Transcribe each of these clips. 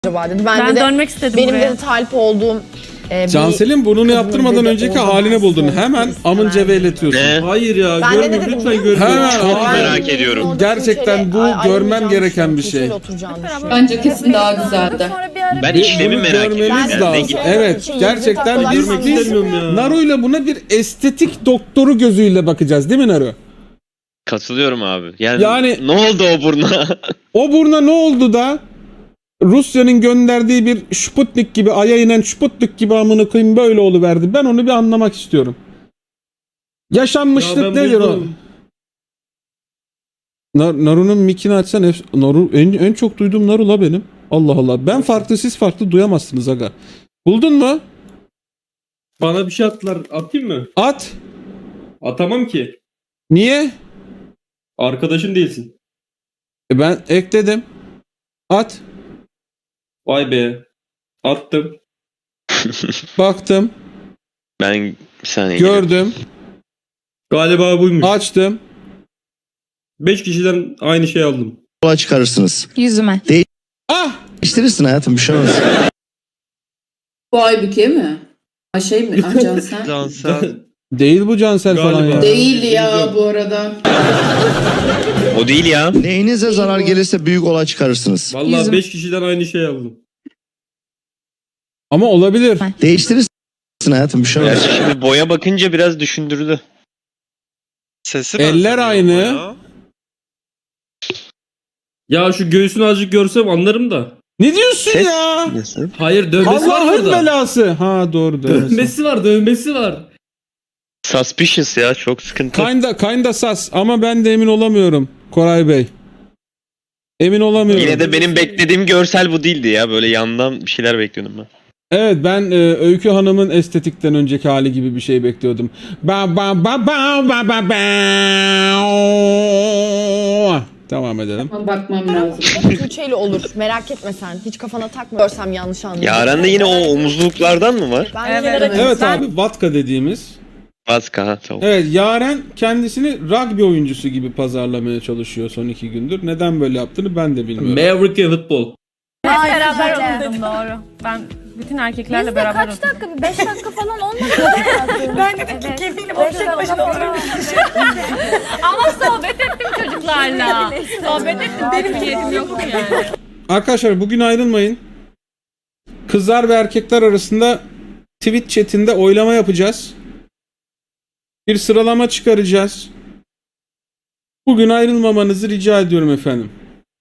acaba dedi. Ben de dönmek istedim benim buraya. de talip olduğum Cansel'in burnunu yaptırmadan dedi, önceki orada halini ben buldun. size Hemen istemem amınca dedi. veyletiyorsun. Ne? Hayır ya, Ben de ne görmüyorum dedim lütfen biliyor görmüyorum. Hemen Çok hayır. merak ediyorum. Orada Gerçekten Tuğçe'yle bu ayrılmayacağını görmem gereken bir düşünüyorum. şey. Tuğçe'yle oturacağını düşünüyorum. Bence kesin daha güzeldi. Ben Bir işlemi bunu merak ediyorum. görmemiz Yani ne lazım. gibi? Evet, gerçekten Görmek biz istemiyorum ya. Naru'yla buna bir estetik doktoru gözüyle bakacağız değil mi Naru? Katılıyorum abi. Yani Yani- ne oldu o burna? O burna ne oldu da Rusya'nın gönderdiği bir Sputnik gibi, Ay'a inen Sputnik gibi amına koyayım böyle oluverdi. Ben onu bir anlamak istiyorum. Yaşanmışlık Ya ben nedir o? buldum. Naru'nun mikini açsan Naru en çok duyduğum Naru la benim. Allah Allah. Ben farklı siz farklı duyamazsınız aga. Buldun mu? Bana bir şey attılar. Atayım mı? At. Atamam ki. Niye? Arkadaşım değilsin. Ben ekledim. At. Vay be. Attım. Baktım. Ben bir saniye Gördüm. Galiba buymuş. Açtım. 5 kişiden aynı şey aldım. Yola çıkarırsınız. Yüzüme. Ah! Değiştirirsin hayatım, bir şey olmaz. Bu Aybüke mi? Ha şey mi? Ah Cansel. Cansel. Değil bu Cansel falan Galiba. ya. Değil ya bu arada. O değil ya. Neyinize zarar gelirse büyük olay çıkarırsınız. Vallahi Yüzüm. 5 kişiden aynı şey aldım. Ama olabilir. Değiştirirsin hayatım, bir şey olmaz. Gerçi şimdi boya bakınca biraz düşündürdü. Sesi Eller benzemiyor aynı. ama ya. Ya şu göğsünü azıcık görsem anlarım da. Ne diyorsun Ses ya? nasıl? Hayır, dövmesi var Allah'ın orada. belası. Ha doğru dövmesi. Dövmesi var. Suspicious ya, çok sıkıntı. Kinda sas ama ben de emin olamıyorum Koray Bey. Emin olamıyorum. Yine de benim beklediğim görsel bu değildi ya. Böyle yandan bir şeyler bekliyordum ben. Evet ben Öykü Hanım'ın estetikten önceki hali gibi bir şey bekliyordum. Ba ba ba ba ba ba ba. Devam edelim. Ama bakmam lazım. Tuğçe'yle olur. Merak etme sen. Hiç kafana takma. Görsem yanlış anlarım. Yaren'de yine o omuzluklardan mı var? Ben Evet, yine de- evet. Evet Ben- abi Vatka dediğimiz. Vaska ha, tamam. Evet Yaren kendisini rugby oyuncusu gibi pazarlamaya çalışıyor son 2 gündür. Neden böyle yaptığını ben de bilmiyorum. Amerika futbol. Hep Ay, beraber güzel. oturdum doğru. Ben bütün erkeklerle Biz de beraber kaç oturdum. dakika? 5 dakika falan olmadı mı? Ben dedim ki kefilim o tek başına Ama sohbet ettim çocuklarla. Sohbet ettim, benim niyetim yoktu yani. Arkadaşlar bugün ayrılmayın. Kızlar ve erkekler arasında Twitch chatinde oylama yapacağız. Bir sıralama çıkaracağız. Bugün ayrılmamanızı rica ediyorum efendim.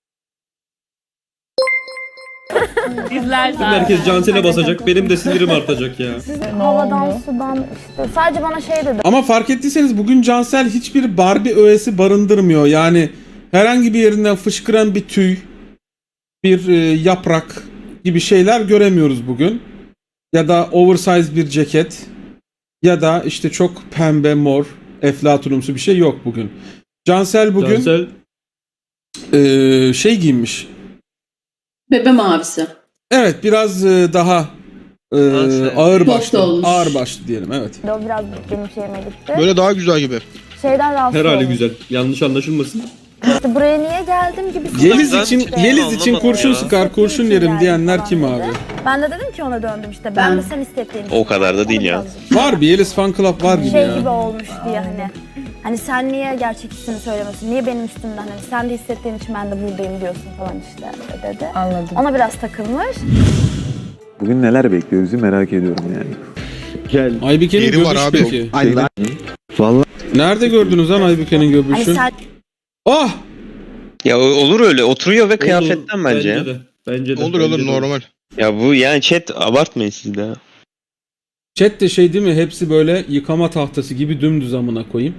İzlersin. Herkes Cansel'e basacak. Benim de sinirim artacak ya. Havadan sudan işte. Sadece bana şey dedi. Ama fark ettiyseniz bugün Cansel hiçbir Barbie öğesi barındırmıyor. Yani herhangi bir yerinden fışkıran bir tüy, bir yaprak gibi şeyler göremiyoruz bugün. Ya da oversize bir ceket ya da işte çok pembe, mor, eflatunumsu bir şey yok bugün. Cansel bugün Cansel şey giymiş. Bebe mavisi. Evet biraz daha Cansel. ağır Soft başlı. olmuş. Ağır başlı diyelim evet. O biraz benim şeyime gitti. Böyle daha güzel gibi. Şeyden rahatsız herhalde olmuş. güzel. Yanlış anlaşılmasın. İşte buraya niye geldim gibi. Yeliz Ben için hiçbir Yeliz şey için anlamadım kurşun ya. sıkar, kurşun yerim diyenler kim abi? Ben de dedim ki ona döndüm işte. Ben de sen hissettiğin O kadar da değil ya. Var bir Yeliz fan club var gibi Şey ya. gibi olmuş diye hani. Hani sen niye gerçek hissini söylemiyorsun? Niye benim üstümden? Hani sen de hissettiğin için ben de buradayım diyorsun falan işte dedi. Anladım. Ona biraz takılmış. Bugün neler bekliyoruz merak ediyorum yani. Gel. Aybüke'nin Yeri var göbüşü abi. peki. Vallahi Nerede gördünüz lan Aybüke'nin Hani göbüşü? sen Ah! Ya olur öyle. Oturuyor ve kıyafetten Olur, bence ya. de. Bence de. Olur bence olur de. normal. Ya bu yani chat abartmayın siz de. Chat de şey değil mi? Hepsi böyle yıkama tahtası gibi dümdüz amına koyayım.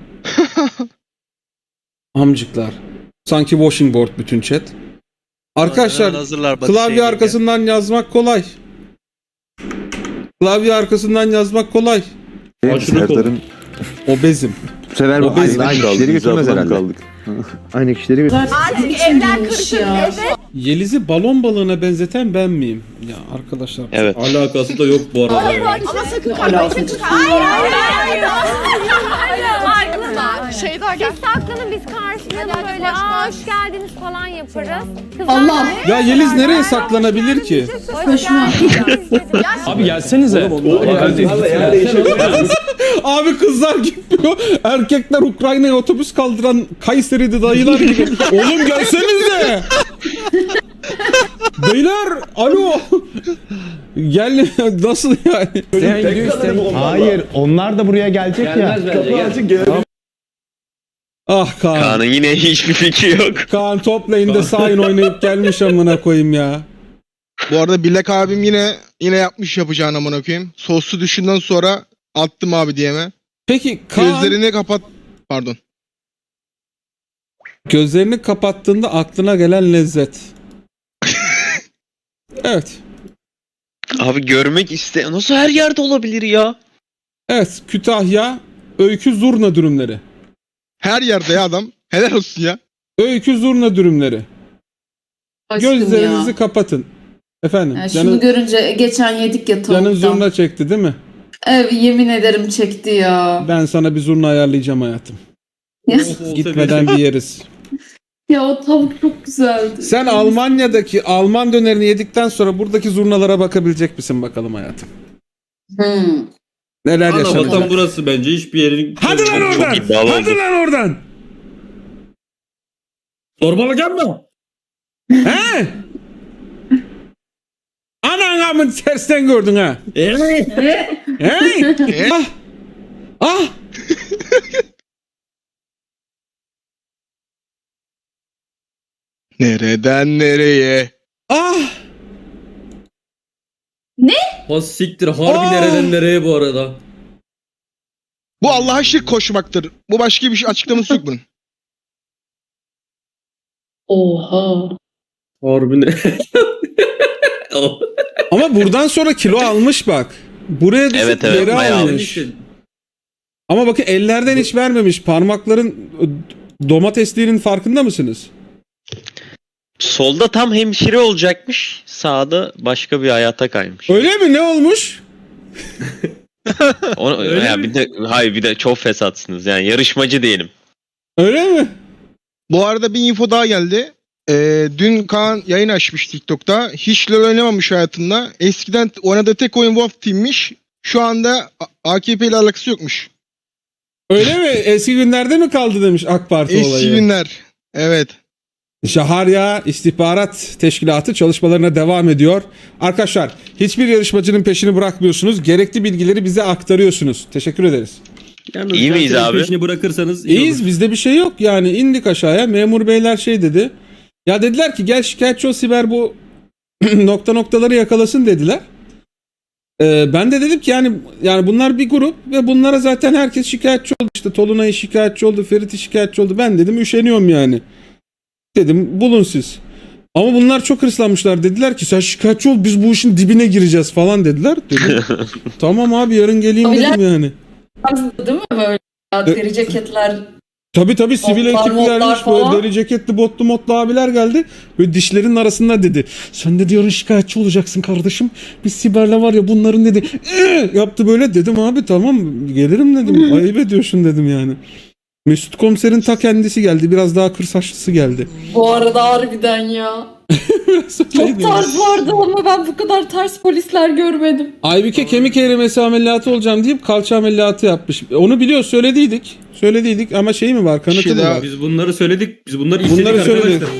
Amcıklar. Sanki washing board bütün chat. Arkadaşlar Hemen hazırlar Batı klavye şeyini. arkasından yazmak kolay. Klavye arkasından yazmak kolay. Aşırı Serdar'ın sefer O biz aynı kişileri götürmez herhalde. Kaldık. Aynı kişileri Artık evler karışır. Yeliz'i balon balığına benzeten ben miyim? Ya arkadaşlar. Evet. Alakası da yok bu arada. Ama sakın Alakası yok. Şey daha gel. Saklanın biz karşılayalım böyle. Aa hoş geldiniz falan yaparız. Allah. Ya Yeliz nereye saklanabilir ki? Saçma. Abi gelsenize. Abi kızlar gitmiyor. Erkekler Ukrayna'ya otobüs kaldıran Kayseri'de dayılar gibi. Oğlum gelsenize. Beyler alo. Gel nasıl yani? Hayır, onlar da buraya gelecek ya. Ah Kaan. Kaan'ın yine hiçbir fikri yok. Kaan top lane'de Sain oynayıp gelmiş amına koyayım ya. Bu arada Bilek abim yine yapmış yapacağını amına koyayım. Soslu düşünden sonra attım abi diyeme. Peki Kaan Gözlerini kapat. Pardon. gözlerini kapattığında aklına gelen lezzet. Evet. Abi görmek nasıl her yerde olabilir ya? Evet Kütahya öykü zurna dürümleri. Her yerde ya adam. Helal olsun ya. Öykü zurna dürümleri. Aşkım Gözlerinizi ya. kapatın. Efendim. Yani şunu görünce geçen yedik ya canın tavuktan. zurna çekti değil mi? Evet yemin ederim çekti ya. Ben sana bir zurna ayarlayacağım hayatım. Ya, Gitmeden bir yeriz. ya o tavuk çok güzeldi. Sen Almanya'daki Alman dönerini yedikten sonra buradaki zurnalara bakabilecek misin bakalım hayatım? Neler Ana yaşanacak? vatan burası bence hiçbir yerin... Hadi lan oradan! Çok iddialı Hadi oldu. lan oradan! Zorbalık yapma. He? Ananamın tersten gördün ha. He? Ah! Ah! Nereden nereye? Ah! Ha siktir harbi Aa! nereden nereye bu arada. Bu Allah'a şirk koşmaktır. Bu başka bir şey açıklaması yok bunun. Oha. Harbi ne? Ama buradan sonra kilo almış bak. Buraya düşüp Evet, evet, geri bayağı almış. Ama bakın ellerden hiç vermemiş. Parmakların domatesliğinin farkında mısınız? Solda tam hemşire olacakmış. Sağda başka bir hayata kaymış. Öyle mi? Ne olmuş? Öyle ya mi? bir de çok fesatsınız yani yarışmacı diyelim. Öyle mi? Bu arada bir info daha geldi. Dün Kaan yayın açmış TikTok'ta. Hiç LoL oynamamış hayatında. Eskiden oynadığı tek oyun Wolf Team'miş. Şu anda AKP ile alakası yokmuş. Öyle mi? Eski günlerde mi kaldı demiş AK Parti Eski olayı. günler. Evet. Şaharya İstihbarat Teşkilatı çalışmalarına devam ediyor. Arkadaşlar hiçbir yarışmacının peşini bırakmıyorsunuz. Gerekli bilgileri bize aktarıyorsunuz. Teşekkür ederiz. Yalnız İyi miyiz gerçekten abi? Peşini bırakırsanız iyi İyiyiz, olur. bizde bir şey yok yani, indik aşağıya, memur beyler şey dedi. Ya dediler ki gel şikayetçi ol Siber, bu noktaları yakalasın dediler. Ben de dedim ki yani bunlar bir grup ve bunlara zaten herkes şikayetçi oldu. İşte Tolunay şikayetçi oldu, Ferit şikayetçi oldu. Ben dedim üşeniyorum yani. Dedim bulun siz. Ama bunlar çok hırslanmışlar, dediler ki sen şikayetçi ol, biz bu işin dibine gireceğiz falan dediler. Dedim tamam abi yarın geleyim dedim yani. Değil mi böyle? Deri ceketler. Tabii sivil Botlar, ekiplermiş, modlar falan. böyle deri ceketli botlu motlu abiler geldi. Böyle dişlerinin arasında dedi. Sen dedi yarın şikayetçi olacaksın kardeşim. Biz Siber'le var ya bunların dedi. Yaptı böyle, dedim abi tamam gelirim dedim. Ayıp ediyorsun dedim yani. Mesut komiserin ta kendisi geldi. Biraz daha kır saçlısı geldi. Bu arada harbiden ya. Çok tarz vardı ama ben bu kadar ters polisler görmedim. Aybüke kemik erimesi ameliyatı olacağım deyip kalça ameliyatı yapmış. Onu biliyor, söylediydik ama şey mi var, kanıtı şey mı daha- var? Biz bunları söyledik. Biz bunları istedik Bunları arkadaşlar. söyledik.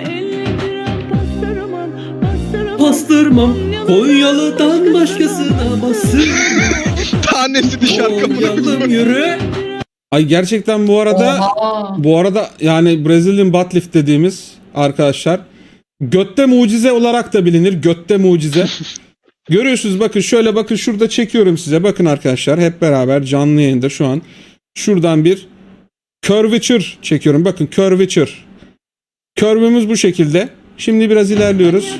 Pastırmam Konyalı'dan başkasına basın. Tanesi dışarı kapını. Konyalım yürü. Ay gerçekten bu arada Oha. Bu arada yani Brazilian butt lift dediğimiz arkadaşlar götte mucize olarak da bilinir. Götte mucize. Görüyorsunuz bakın, şöyle bakın, şurada çekiyorum size. Bakın arkadaşlar hep beraber canlı yayında şu an. Şuradan bir curvature çekiyorum. Bakın curvature. Curve'ümüz bu şekilde. Şimdi biraz ilerliyoruz.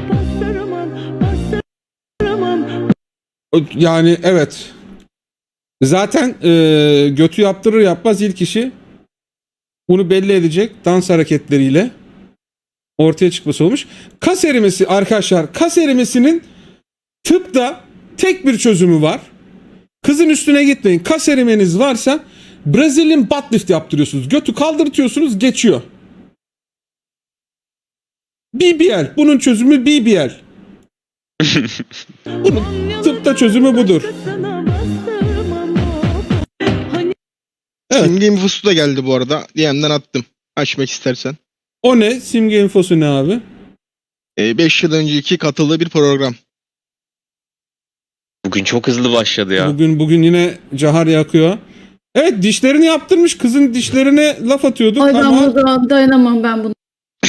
Yani evet. Zaten götü yaptırır yapmaz ilk işi bunu belli edecek dans hareketleriyle ortaya çıkması olmuş. Kas erimesi arkadaşlar, kas erimesinin tıpta tek bir çözümü var. Kızın üstüne gitmeyin. Kas erimeniz varsa Brazilian butt lift yaptırıyorsunuz. Götü kaldırtıyorsunuz, geçiyor. BBL. Bunun çözümü BBL. Bunun tıpta çözümü budur. Evet. Simge infosu da geldi bu arada. DM'den attım. Açmak istersen. O ne? Simge infosu ne abi? 5 yıl önceki katıldığı bir program. Bugün çok hızlı başladı ya. Bugün yine cahar yakıyor. Evet, dişlerini yaptırmış. Kızın dişlerine laf atıyorduk Ay ben ama burada dayanamam ben bunu.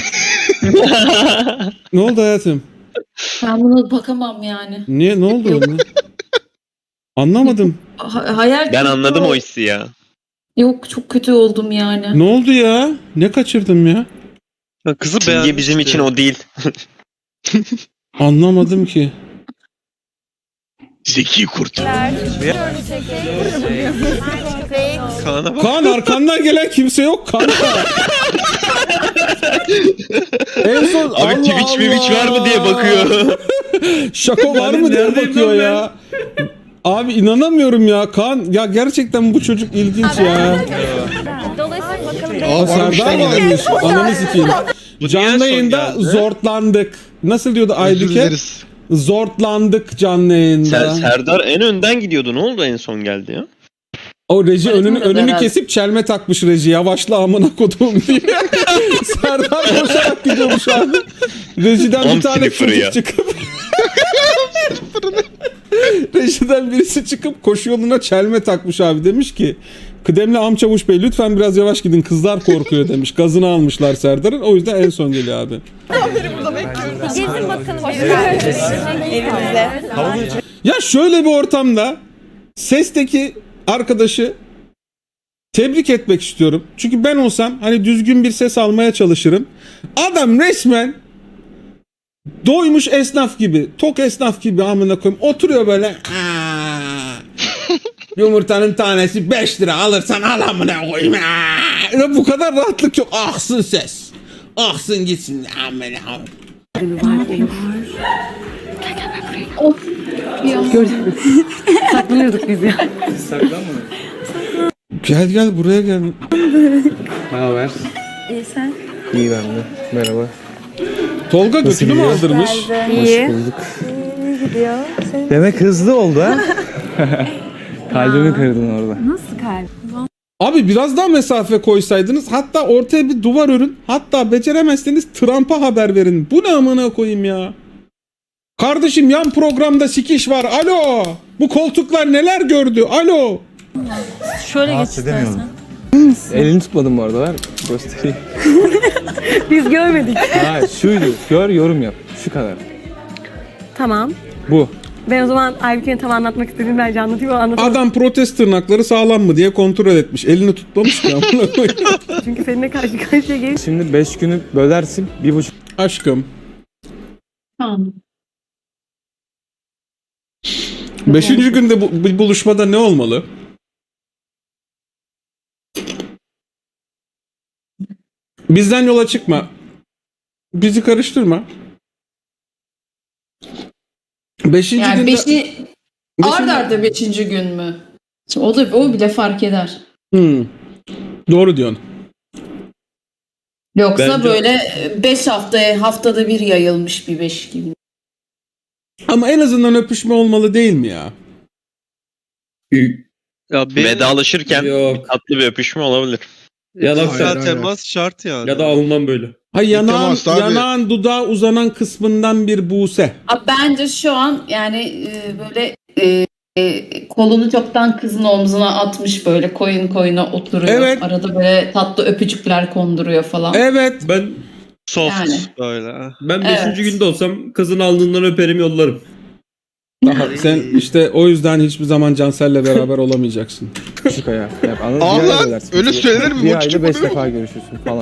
ne oldu hayatım? Ben buna bakamam yani. Niye? Ne oldu? oğlum? Anlamadım. Hayal Ben kırıklığı anladım oldu. o hissi ya. Yok çok kötü oldum yani. Ne oldu ya? Ne kaçırdım ya? Kızı Simge beğenmişti. bizim için o değil. Anlamadım ki. Zeki kurt. Kaan'a bak. Kaan, arkandan gelen kimse yok kanka. En son Abi Twitch Twitch var mı diye bakıyor. Şaka var mı diye bakıyor ya. Abi inanamıyorum ya Kaan. Ya gerçekten bu çocuk ilginç ya. Dolayısıyla bakalım Aa, Serdar varmış. Ananı sikeyim. Bu Canlı niye son yayında geldi? zortlandık. Nasıl diyordu Özür Aybüke? dileriz. Zortlandık canlı yayında. Serdar en önden gidiyordu. Ne oldu en son geldi ya? O reji önünü herhalde. kesip çelme takmış reji. Yavaşla amına kodum diye. Serdar koşarak gidiyormuş abi. Rejiden bir Om tane sniffer'ı çocuk ya. çıkıp rejiden birisi çıkıp koşu yoluna çelme takmış abi. Demiş ki kıdemli Amçavuş Bey lütfen biraz yavaş gidin, kızlar korkuyor demiş. Gazını almışlar Serdar'ın. O yüzden en son geliyor abi. gezin bakalım. Evimizde. Ya şöyle bir ortamda sesteki arkadaşı tebrik etmek istiyorum. Çünkü ben olsam hani düzgün bir ses almaya çalışırım. Adam resmen doymuş esnaf gibi, tok esnaf gibi amına koyayım. Oturuyor böyle. "Aa, yumurtanın tanesi 5 lira, alırsan al amına koyayım. Aa." Ya bu kadar rahatlık yok. Aksın ses. Aksın gitsin amına koyayım. Saklanıyorduk biz ya. Gel buraya gel. Ne haber? İyi sen. İyi ben de. Merhaba. Tolga götünü mü aldırmış? İyi. Bulduk. İyi gidiyor. Senin Demek hızlı oldu ha? Kalbimi kırdın orada. nasıl kalp? Abi biraz daha mesafe koysaydınız, hatta ortaya bir duvar örün, hatta beceremezseniz Trump'a haber verin. Bu ne amına koyayım ya? Kardeşim yan programda sikiş var. Alo. Bu koltuklar neler gördü? Alo. Şöyle geç istersen. Elini tutmadım bu arada, ver göstereyim. Biz görmedik. Ha şuydu, gör yorum yap. Şu kadar. Tamam. Bu. Ben o zaman Aybüke'nin tam anlatmak istediğini bence anlatayım ama anlatamam. Adam protest tırnakları sağlam mı diye kontrol etmiş. Elini tutmamış ki amına koyayım. Çünkü seninle karşı karşıya gelip Şimdi 5 günü bölersin, 1,5. Aşkım. Tamam. 5. günde bu buluşmada ne olmalı? Bizden yola çıkma. Bizi karıştırma. 5. Yani günde... ard arda 5. gün mü? Şimdi o bile fark eder. Doğru diyorsun. Yoksa Bence- böyle 5 haftada bir yayılmış bir 5 gibi. Ama en azından öpüşme olmalı değil mi ya? Ya benim Vedalaşırken Yok. tatlı bir öpüşme olabilir. Ya da, fiziksel temas şart yani. ya da alınmam böyle. Ha yanağın, temas abi. yanağın dudağa uzanan kısmından bir buse. Bence şu an yani böyle kolunu çoktan kızın omzuna atmış böyle koyuna oturuyor. Evet. Arada böyle tatlı öpücükler konduruyor falan. Evet. Ben Soft Yani. böyle. ben 5. Evet. günde olsam kızın alnından öperim yollarım. Daha sen işte o yüzden hiçbir zaman Cansel'le beraber olamayacaksın. Küçük ayağı. Yap, anladın mı? Allah, Bir ay bölersin. öyle söylenir mi? Bir Bu ayda küçük 5 oluyor mu? defa görüşürsün falan.